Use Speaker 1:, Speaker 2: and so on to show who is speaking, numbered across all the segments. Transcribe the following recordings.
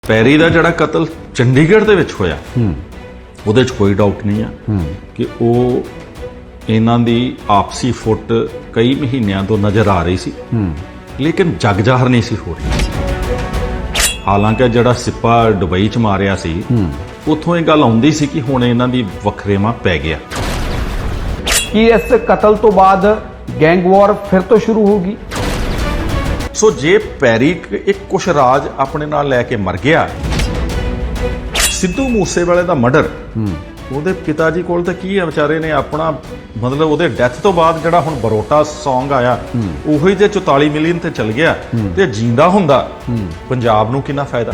Speaker 1: ਪੈਰੀ ਦਾ ਜਿਹੜਾ ਕਤਲ ਚੰਡੀਗੜ੍ਹ ਦੇ ਵਿੱਚ ਹੋਇਆ ਉਹਦੇ 'ਚ ਕੋਈ ਡਾਊਟ ਨਹੀਂ ਆ ਕਿ ਉਹ ਇਹਨਾਂ ਦੀ ਆਪਸੀ ਫੁੱਟ ਕਈ ਮਹੀਨਿਆਂ ਤੋਂ ਨਜ਼ਰ ਆ ਰਹੀ ਸੀ ਲੇਕਿਨ ਜਗ ਜ਼ਾਹਰ ਨਹੀਂ ਸੀ ਹੋ ਰਹੀ। ਹਾਲਾਂਕਿ ਜਿਹੜਾ ਸਿੱਪਾ ਦੁਬਈ 'ਚ ਮਾਰਿਆ ਸੀ ਉੱਥੋਂ ਇਹ ਗੱਲ ਆਉਂਦੀ ਸੀ ਕਿ ਹੁਣ ਇਹਨਾਂ ਦੀ ਵਖਰੇਵਾਂ ਪੈ ਗਿਆ।
Speaker 2: ਕੀ ਇਸ ਕਤਲ ਤੋਂ ਬਾਅਦ ਗੈਂਗ ਵਾਰ ਫਿਰ ਤੋਂ ਸ਼ੁਰੂ ਹੋਗੀ?
Speaker 1: ਸੋ ਜੇ ਪੈਰੀ ਇੱਕ ਕੁਛ ਰਾਜ ਆਪਣੇ ਨਾਲ ਲੈ ਕੇ ਮਰ ਗਿਆ, ਸਿੱਧੂ ਮੂਸੇਵਾਲੇ ਦਾ ਮਰਡਰ, ਉਹਦੇ ਪਿਤਾ ਜੀ ਕੋਲ ਤਾਂ ਕੀ ਹੈ, ਵਿਚਾਰੇ ਨੇ ਆਪਣਾ ਮਤਲਬ ਉਹਦੇ ਡੈਥ ਤੋਂ ਬਾਅਦ ਜਿਹੜਾ ਹੁਣ ਬਰੋਟਾ Song ਆਇਆ ਉਹੀ ਜੇ 44 ਮਿਲੀਅਨ ਤੇ ਚਲ ਗਿਆ ਤੇ ਜਿੰਦਾ ਹੁੰਦਾ ਪੰਜਾਬ ਨੂੰ ਕਿੰਨਾ ਫਾਇਦਾ।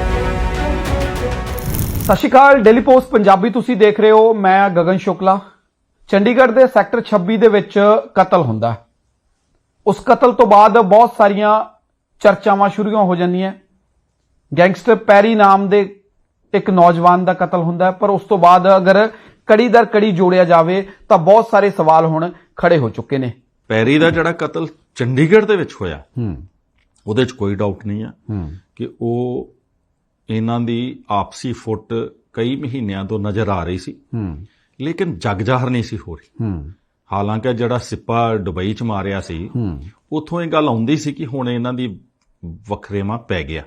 Speaker 2: ਸਤਿ ਸ਼੍ਰੀ ਅਕਾਲ, ਡੇਲੀ ਪੋਸਟ ਪੰਜਾਬੀ ਤੁਸੀਂ ਦੇਖ ਰਹੇ ਹੋ। ਮੈਂ ਗਗਨ ਸ਼ੁਕਲਾ। ਚੰਡੀਗੜ੍ਹ ਦੇ ਸੈਕਟਰ 26 ਦੇ ਵਿੱਚ ਕਤਲ ਹੁੰਦਾ। ਉਸ ਕਤਲ ਤੋਂ ਬਾਅਦ ਬਹੁਤ ਸਾਰੀਆਂ ਚਰਚਾਵਾਂ ਸ਼ੁਰੂ ਹੋ ਜਾਂਦੀਆਂ। ਗੈਂਗਸਟਰ ਪੈਰੀ ਨਾਮ ਦੇ ਇੱਕ ਨੌਜਵਾਨ ਦਾ ਕਤਲ ਹੁੰਦਾ, ਪਰ ਉਸ ਤੋਂ ਬਾਅਦ ਅਗਰ ਕੜੀ ਦਰ ਕੜੀ ਜੋੜਿਆ ਜਾਵੇ ਤਾਂ ਬਹੁਤ ਸਾਰੇ ਸਵਾਲ ਹੁਣ ਖੜੇ ਹੋ ਚੁੱਕੇ ਨੇ।
Speaker 1: ਪੈਰੀ ਦਾ ਜਿਹੜਾ ਕਤਲ ਚੰਡੀਗੜ੍ਹ ਦੇ ਵਿੱਚ ਹੋਇਆ ਉਹਦੇ 'ਚ ਕੋਈ ਡਾਊਟ ਨਹੀਂ ਆ ਕਿ ਉਹ ਇਹਨਾਂ ਦੀ ਆਪਸੀ ਫੁੱਟ ਕਈ ਮਹੀਨਿਆਂ ਤੋਂ ਨਜ਼ਰ ਆ ਰਹੀ ਸੀ ਲੇਕਿਨ ਜਗ ਜ਼ਾਹਰ ਨਹੀਂ ਸੀ ਹੋ ਰਹੀ। ਹਾਲਾਂਕਿ ਜਿਹੜਾ ਸਿੱਪਾ ਦੁਬਈ 'ਚ ਮਾਰਿਆ ਸੀ ਉੱਥੋਂ ਇਹ ਗੱਲ ਆਉਂਦੀ ਸੀ ਕਿ ਹੁਣ ਇਹਨਾਂ ਦੀ ਵਖਰੇਵਾਂ ਪੈ ਗਿਆ।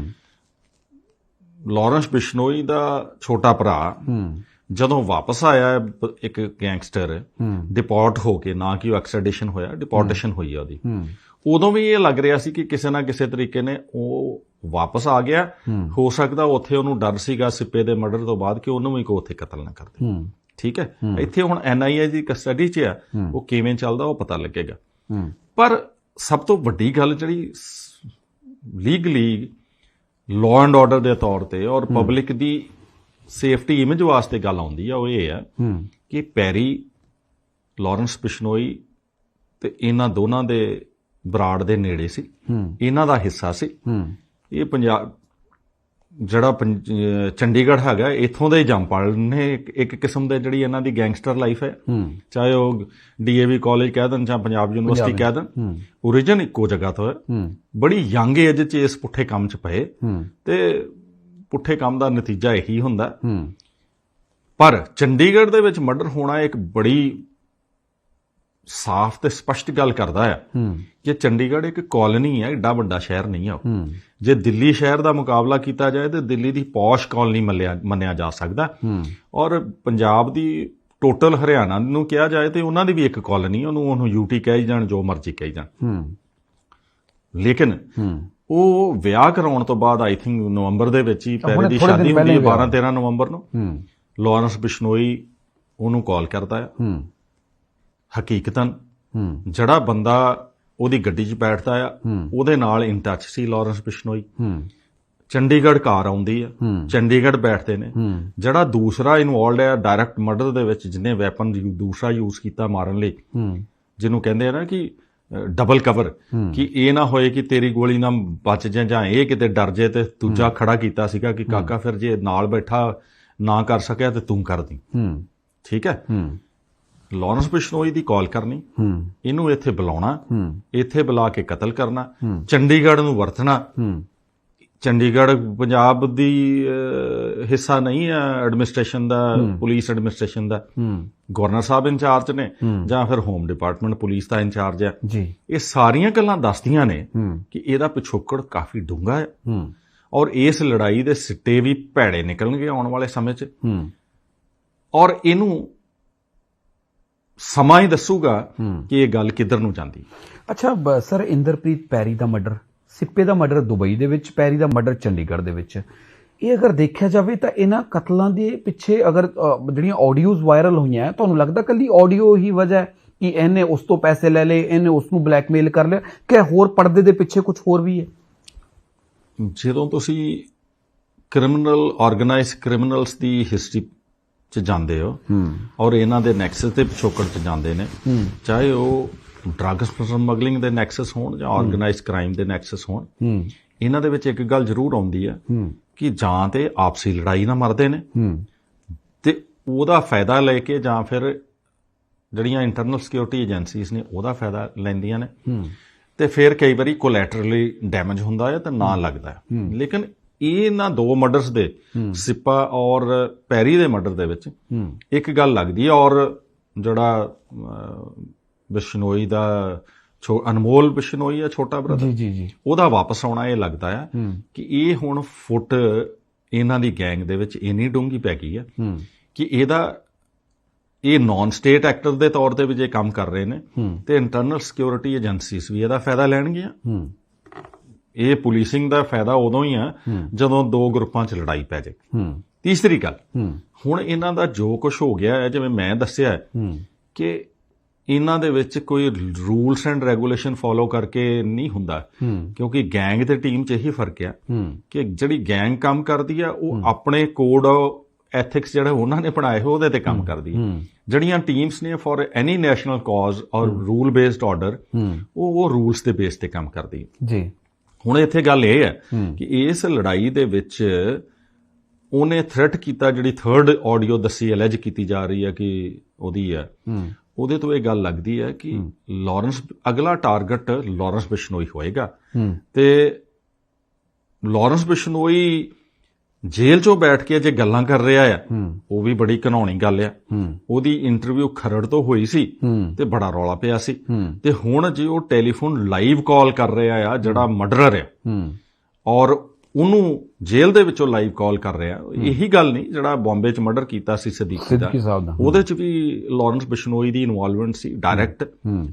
Speaker 1: ਲਾਰੈਂਸ ਬਿਸ਼ਨੋਈ ਦਾ ਛੋਟਾ ਭਰਾ ਜਦੋਂ ਵਾਪਸ ਆਇਆ, ਇੱਕ ਗੈਂਗਸਟਰ ਡਿਪੋਰਟ ਹੋ ਕੇ, ਨਾ ਕਿ ਉਹ ਐਕਸਟ੍ਰੈਡੀਸ਼ਨ ਹੋਇਆ, ਡਿਪੋਰਟੇਸ਼ਨ ਹੋਈ ਆ ਉਹਦੀ, ਉਦੋਂ ਵੀ ਇਹ ਲੱਗ ਰਿਹਾ ਸੀ ਕਿ ਕਿਸੇ ਨਾ ਕਿਸੇ ਤਰੀਕੇ ਨੇ ਉਹ ਵਾਪਸ ਆ ਗਿਆ। ਹੋ ਸਕਦਾ ਉੱਥੇ ਉਹਨੂੰ ਡਰ ਸੀਗਾ ਸਿੱਪੇ ਦੇ ਮਰਡਰ ਤੋਂ ਬਾਅਦ ਕਿ ਉਹਨੂੰ ਵੀ ਕੋਈ ਉੱਥੇ ਕਤਲ ਨਾ ਕਰ ਦੇ। ਠੀਕ ਹੈ, ਇੱਥੇ ਹੁਣ NIA ਦੀ ਕਸਟਡੀ 'ਚ ਆ, ਉਹ ਕਿਵੇਂ ਚੱਲਦਾ ਉਹ ਪਤਾ ਲੱਗੇਗਾ। ਪਰ ਸਭ ਤੋਂ ਵੱਡੀ ਗੱਲ ਜਿਹੜੀ ਲੀਗਲੀ ਲਾਅ ਐਂਡ ਆਰਡਰ ਦੇ ਤੌਰ ਤੇ ਔਰ ਪਬਲਿਕ ਦੀ ਸੇਫਟੀ ਇਮੇਜ ਵਾਸਤੇ ਗੱਲ ਆਉਂਦੀ ਆ, ਉਹ ਇਹ ਆ ਕਿ ਪੈਰੀ, ਲਾਰੈਂਸ ਬਿਸ਼ਨੋਈ ਤੇ ਇਹਨਾਂ ਦੋਨਾਂ ਦੇ ਬਰਾੜ ਦੇ ਨੇੜੇ ਸੀ, ਇਹਨਾਂ ਦਾ ਹਿੱਸਾ ਸੀ। ਇਹ ਪੰਜਾਬ ਜਿਹੜਾ ਚੰਡੀਗੜ੍ਹ ਹੈਗਾ, ਇੱਥੋਂ ਦੇ ਜੰਮਪਲ ਨੇ ਇੱਕ ਕਿਸਮ ਦੇ ਜਿਹੜੀ ਇਹਨਾਂ ਦੀ ਗੈਂਗਸਟਰ ਲਾਈਫ ਹੈ। ਚਾਹੇ ਉਹ DAV ਕਾਲਜ ਕਹਿ ਦੇਣ ਜਾਂ ਪੰਜਾਬ ਯੂਨੀਵਰਸਿਟੀ ਕਹਿ ਦੇਣ, ਓਰੀਜਨ ਇੱਕੋ ਜਗ੍ਹਾ ਤੋਂ ਹੈ। ਬੜੀ ਯੰਗ ਏਜ 'ਚ ਇਸ ਪੁੱਠੇ ਕੰਮ 'ਚ ਪਏ ਤੇ ਪੁੱਠੇ ਕੰਮ ਦਾ ਨਤੀਜਾ ਇਹੀ ਹੁੰਦਾ। ਪਰ ਚੰਡੀਗੜ੍ਹ ਦੇ ਵਿੱਚ ਮਰਡਰ ਹੋਣਾ ਇੱਕ ਬੜੀ ਸਾਫ਼ ਤੇ ਸਪਸ਼ਟ ਗੱਲ ਕਰਦਾ ਹੈ ਕਿ ਚੰਡੀਗੜ੍ਹ ਇੱਕ ਕਾਲੋਨੀ ਹੈ, ਏਡਾ ਵੱਡਾ ਸ਼ਹਿਰ ਨਹੀਂ ਆ। ਜੇ ਦਿੱਲੀ ਸ਼ਹਿਰ ਦਾ ਮੁਕਾਬਲਾ ਕੀਤਾ ਜਾਏ ਤਾਂ ਦਿੱਲੀ ਦੀ ਪੌਸ਼ ਕਾਲੋਨੀ ਮੰਨਿਆ ਜਾ ਸਕਦਾ, ਔਰ ਪੰਜਾਬ ਦੀ ਟੋਟਲ ਹਰਿਆਣਾ ਨੂੰ ਕਿਹਾ ਜਾਏ ਤੇ ਉਹਨਾਂ ਦੀ ਵੀ ਇੱਕ ਕਾਲੋਨੀ, ਉਹਨੂੰ UT ਕਹੀ ਜਾਣ, ਜੋ ਮਰਜ਼ੀ ਕਹੀ ਜਾਣ। ਲੇਕਿਨ ਉਹ ਵਿਆਹ ਕਰਾਉਣ ਤੋਂ ਬਾਅਦ ਆਈ ਥਿੰਕ ਨਵੰਬਰ ਦੇ ਵਿੱਚ ਹੀ, ਪੈਰੀ ਦੀ ਸ਼ਾਦੀ ਹੁੰਦੀ ਹੈ 12-13 ਨਵੰਬਰ ਨੂੰ, ਲਾਰੈਂਸ ਬਿਸ਼ਨੋਈ ਉਹਨੂੰ ਕਾਲ ਕਰਦਾ ਹੈ। ਹਕੀਕਤਨ ਜਿਹੜਾ ਬੰਦਾ ਉਹਦੀ ਗੱਡੀ 'ਚ ਬੈਠਦਾ ਆ ਉਹਦੇ ਨਾਲ ਇਨ ਟੱਚ ਸੀ ਲਾਰੈਂਸ ਬਿਸ਼ਨੋਈ। ਚੰਡੀਗੜ੍ਹ ਕਾਰ ਆਉਂਦੀ ਆ, ਚੰਡੀਗੜ੍ਹ ਬੈਠਦੇ ਨੇ। ਜਿਹੜਾ ਦੂਸਰਾ ਇਨਵੋਲਡ ਹੈ ਡਾਇਰੈਕਟ ਮਰਡਰ ਦੇ ਵਿੱਚ, ਜਿਹਨੇ ਵੈਪਨ ਦੂਸਰਾ ਯੂਜ਼ ਕੀਤਾ ਮਾਰਨ ਲਈ, ਜਿਹਨੂੰ ਕਹਿੰਦੇ ਆ ਨਾ ਕਿ ਡਬਲ ਕਵਰ, ਕਿ ਇਹ ਨਾ ਹੋਏ ਕਿ ਤੇਰੀ ਗੋਲੀ ਨਾਲ ਬਚ ਜਾਏ ਜਾਂ ਇਹ ਕਿਤੇ ਡਰ ਜੇ, ਤੇ ਦੂਜਾ ਖੜਾ ਕੀਤਾ ਸੀਗਾ ਕਿ ਕਾਕਾ ਫਿਰ ਜੇ ਨਾਲ ਬੈਠਾ ਨਾ ਕਰ ਸਕਿਆ ਤੇ ਤੂੰ ਕਰ ਦੀ। ਠੀਕ ਹੈ, ਲਾਰੈਂਸ ਬਿਸ਼ਨੋਈ ਦੀ ਕਾਲ ਕਰਨੀ, ਇਹਨੂੰ ਇੱਥੇ ਬੁਲਾਉਣਾ, ਇੱਥੇ ਬੁਲਾ ਕੇ ਕਤਲ ਕਰਨਾ, ਚੰਡੀਗੜ੍ਹ ਨੂੰ ਵਰਤਣਾ। ਚੰਡੀਗੜ੍ਹ ਪੰਜਾਬ ਦੀ ਹਿੱਸਾ ਨਹੀਂ ਹੈ ਐਡਮਿਨਿਸਟ੍ਰੇਸ਼ਨ ਦਾ, ਪੁਲਿਸ ਐਡਮਿਨਿਸਟ੍ਰੇਸ਼ਨ ਦਾ। ਗਵਰਨਰ ਸਾਹਿਬ ਇੰਚਾਰਜ ਨੇ ਜਾਂ ਫਿਰ ਹੋਮ ਡਿਪਾਰਟਮੈਂਟ ਪੁਲਿਸ ਦਾ ਇੰਚਾਰਜ ਹੈ। ਇਹ ਸਾਰੀਆਂ ਗੱਲਾਂ ਦੱਸਦੀਆਂ ਨੇ ਕਿ ਇਹਦਾ ਪਿਛੋਕੜ ਕਾਫੀ ਡੂੰਘਾ ਹੈ ਔਰ ਇਸ ਲੜਾਈ ਦੇ ਸਿੱਟੇ ਵੀ ਭੈੜੇ ਨਿਕਲਣਗੇ ਆਉਣ ਵਾਲੇ ਸਮੇਂ 'ਚ, ਔਰ ਇਹਨੂੰ ਸਮਾਂ ਹੀ ਦੱਸੂਗਾ ਕਿ ਇਹ ਗੱਲ ਕਿੱਧਰ ਨੂੰ ਜਾਂਦੀ।
Speaker 2: ਅੱਛਾ ਸਰ, ਇੰਦਰਪ੍ਰੀਤ ਪੈਰੀ ਦਾ ਮਰਡਰ, ਸਿੱਪੇ ਦਾ ਮਰਡਰ ਦੁਬਈ ਦੇ ਵਿੱਚ, ਪੈਰੀ ਦਾ ਮਰਡਰ ਚੰਡੀਗੜ੍ਹ ਦੇ ਵਿੱਚ, ਇਹ ਅਗਰ ਦੇਖਿਆ ਜਾਵੇ ਤਾਂ ਇਹਨਾਂ ਕਤਲਾਂ ਦੇ ਪਿੱਛੇ ਅਗਰ ਜਿਹੜੀਆਂ ਆਡੀਓਜ਼ ਵਾਇਰਲ ਹੋਈਆਂ, ਤੁਹਾਨੂੰ ਲੱਗਦਾ ਕੱਲੀ ਆਡੀਓ ਹੀ ਵਜ੍ਹਾ ਹੈ ਕਿ ਇਹਨੇ ਉਸ ਤੋਂ ਪੈਸੇ ਲੈ ਲਏ, ਇਹਨੇ ਉਸ ਨੂੰ ਬਲੈਕਮੇਲ ਕਰ ਲਿਆ, ਕਿ ਹੋਰ ਪਰਦੇ ਦੇ ਪਿੱਛੇ ਕੁਝ ਹੋਰ ਵੀ ਹੈ?
Speaker 1: ਜਦੋਂ ਤੁਸੀਂ ਕ੍ਰਿਮੀਨਲ, ਆਰਗੇਨਾਈਜ਼ਡ ਕ੍ਰਿਮੀਨਲਸ ਦੀ ਹਿਸਟਰੀ 'ਚ ਜਾਂਦੇ ਹੋ ਔਰ ਇਹਨਾਂ ਦੇ ਨੈਕਸਸ ਦੇ ਪਿਛੋਕੜ 'ਚ ਜਾਂਦੇ ਨੇ, ਚਾਹੇ ਉਹ ਡਰੱਗਸ ਸਮਗਲਿੰਗ ਦੇ ਨੈਕਸਸ ਹੋਣ ਜਾਂ ਆਰਗੇਨਾਈਜ਼ਡ ਕ੍ਰਾਈਮ ਦੇ ਨੈਕਸਸ ਹੋਣ, ਇਹਨਾਂ ਦੇ ਵਿੱਚ ਇੱਕ ਗੱਲ ਜ਼ਰੂਰ ਆਉਂਦੀ ਹੈ ਕਿ ਜਾਂ ਤੇ ਆਪਸੀ ਲੜਾਈ ਨਾਲ ਮਰਦੇ ਨੇ ਤੇ ਉਹਦਾ ਫਾਇਦਾ ਲੈ ਕੇ, ਜਾਂ ਫਿਰ ਜਿਹੜੀਆਂ ਇੰਟਰਨਲ ਸਿਕਿਉਰਿਟੀ ਏਜੰਸੀਜ਼ ਨੇ ਉਹਦਾ ਫਾਇਦਾ ਲੈਂਦੀਆਂ ਨੇ, ਤੇ ਫਿਰ ਕਈ ਵਾਰੀ ਕੋਲੈਟਰਲੀ ਡੈਮੇਜ ਹੁੰਦਾ ਹੈ ਤਾਂ ਨਾ ਲੱਗਦਾ ਹੈ। ਲੇਕਿਨ ਇਹਨਾਂ ਦੋ ਮਰਡਰਸ ਦੇ ਸਿੱਪਾ ਔਰ ਪੈਰੀ ਦੇ ਮਰਡਰ ਦੇ ਵਿੱਚ ਇੱਕ ਗੱਲ ਲੱਗਦੀ ਹੈ। ਔਰ ਜਿਹੜਾ ਬਿਸ਼ਨੋਈ ਦਾ ਅਨਮੋਲ ਬਿਸ਼ਨੋਈ ਆ ਛੋਟਾ ਬ੍ਰਦਰ,
Speaker 2: ਜੀ
Speaker 1: ਉਹਦਾ ਵਾਪਸ ਆਉਣਾ ਇਹ ਲੱਗਦਾ ਆ ਕਿ ਇਹ ਹੁਣ ਫੁੱਟ ਇਹਨਾਂ ਦੀ ਗੈਂਗ ਦੇ ਵਿੱਚ ਇੰਨੀ ਡੂੰਘੀ ਪੈ ਗਈ ਆ ਕਿ ਇਹ ਨਾਨ ਸਟੇਟ ਐਕਟਰ ਦੇ ਤੌਰ ਤੇ ਵੀ ਜੇ ਕੰਮ ਕਰ ਰਹੇ ਨੇ ਤੇ ਇੰਟਰਨਲ ਸਿਕਿਉਰਿਟੀ ਏਜੰਸੀਜ਼ ਵੀ ਇਹਦਾ ਫਾਇਦਾ ਲੈਣਗੀਆਂ। ਇਹ ਪੁਲਿਸਿੰਗ ਦਾ ਫਾਇਦਾ ਉਦੋਂ ਹੀ ਆ ਜਦੋਂ ਦੋ ਗਰੁੱਪਾਂ 'ਚ ਲੜਾਈ ਪੈ ਜਾਏ। ਤੀਸਰੀ ਗੱਲ, ਹੁਣ ਇਹਨਾਂ ਦਾ ਜੋ ਕੁਝ ਹੋ ਗਿਆ ਹੈ, ਜਿਵੇਂ ਮੈਂ ਦੱਸਿਆ ਕਿ ਇਹਨਾਂ ਦੇ ਵਿੱਚ ਕੋਈ ਰੂਲਸ ਐਂਡ ਰੈਗੂਲੇਸ਼ਨ ਫੋਲੋ ਕਰਕੇ ਨਹੀਂ ਹੁੰਦਾ, ਕਿਉਂਕਿ ਗੈਂਗ ਤੇ ਟੀਮ 'ਚ ਇਹੀ ਫਰਕ ਆ ਕਿ ਜਿਹੜੀ ਗੈਂਗ ਕੰਮ ਕਰਦੀ ਆ ਉਹ ਆਪਣੇ ਕੋਡ ਐਥਿਕਸ ਜਿਹੜੇ ਉਹਨਾਂ ਨੇ ਬਣਾਏ ਹੋਏ ਉਹਦੇ ਤੇ ਕੰਮ ਕਰਦੀ ਹੈ। ਜਿਹੜੀਆਂ ਟੀਮਸ ਨੇ ਫॉर ਐਨੀ ਨੈਸ਼ਨਲ ਕਾਜ਼ ਔਰ ਰੂਲ ਬੇਸਡ ਆਰਡਰ ਉਹ ਰੂਲਸ ਦੇ ਬੇਸ ਤੇ ਕੰਮ ਕਰਦੀ ਹੈ ਜੀ। ਹੁਣ ਇੱਥੇ ਗੱਲ ਇਹ ਹੈ ਕਿ ਇਸ ਲੜਾਈ ਦੇ ਵਿੱਚ ਉਹਨੇ ਥ੍ਰੈਟ ਕੀਤਾ, ਜਿਹੜੀ ਥਰਡ ਆਡੀਓ ਦੱਸੀ ਅਲੈਜ ਕੀਤੀ ਜਾ ਰਹੀ ਹੈ ਕਿ ਉਹਦੀ ਹੈ, ਉਹਦੇ ਤੋਂ ਇਹ ਗੱਲ ਲੱਗਦੀ ਹੈ ਕਿ ਲਾਰੈਂਸ ਅਗਲਾ ਟਾਰਗੇਟ ਲਾਰੈਂਸ ਬਿਸ਼ਨੋਈ ਹੋਏਗਾ ਤੇ ਲਾਰੈਂਸ ਬਿਸ਼ਨੋਈ ਜੇਲ੍ਹ 'ਚੋਂ ਬੈਠ ਕੇ ਜੇ ਗੱਲਾਂ ਕਰ ਰਿਹਾ ਆ ਉਹ ਵੀ ਬੜੀ ਘਿਨਾਉਣੀ ਗੱਲ ਆ। ਉਹਦੀ ਇੰਟਰਵਿਊ ਖਰੜ ਤੋਂ ਹੋਈ ਸੀ ਤੇ ਬੜਾ ਰੌਲਾ ਪਿਆ ਸੀ, ਤੇ ਹੁਣ ਜੇ ਉਹ ਟੈਲੀਫੋਨ ਲਾਈਵ ਕਾਲ ਕਰ ਰਿਹਾ ਆ ਜਿਹੜਾ ਮਰਡਰਰ ਆ ਔਰ ਉਹਨੂੰ ਜੇਲ੍ਹ ਦੇ ਵਿੱਚੋਂ ਲਾਈਵ ਕਾਲ ਕਰ ਰਿਹਾ, ਇਹੀ ਗੱਲ ਨਹੀਂ ਜਿਹੜਾ ਬੰਬੇ 'ਚ ਮਰਡਰ ਕੀਤਾ ਸੀ ਸਦੀਕੀ ਦਾ, ਉਹਦੇ 'ਚ ਵੀ ਲਾਰੈਂਸ ਬਿਸ਼ਨੋਈ ਦੀ ਇਨਵੋਲਵਮੈਂਟ ਸੀ ਡਾਇਰੈਕਟ।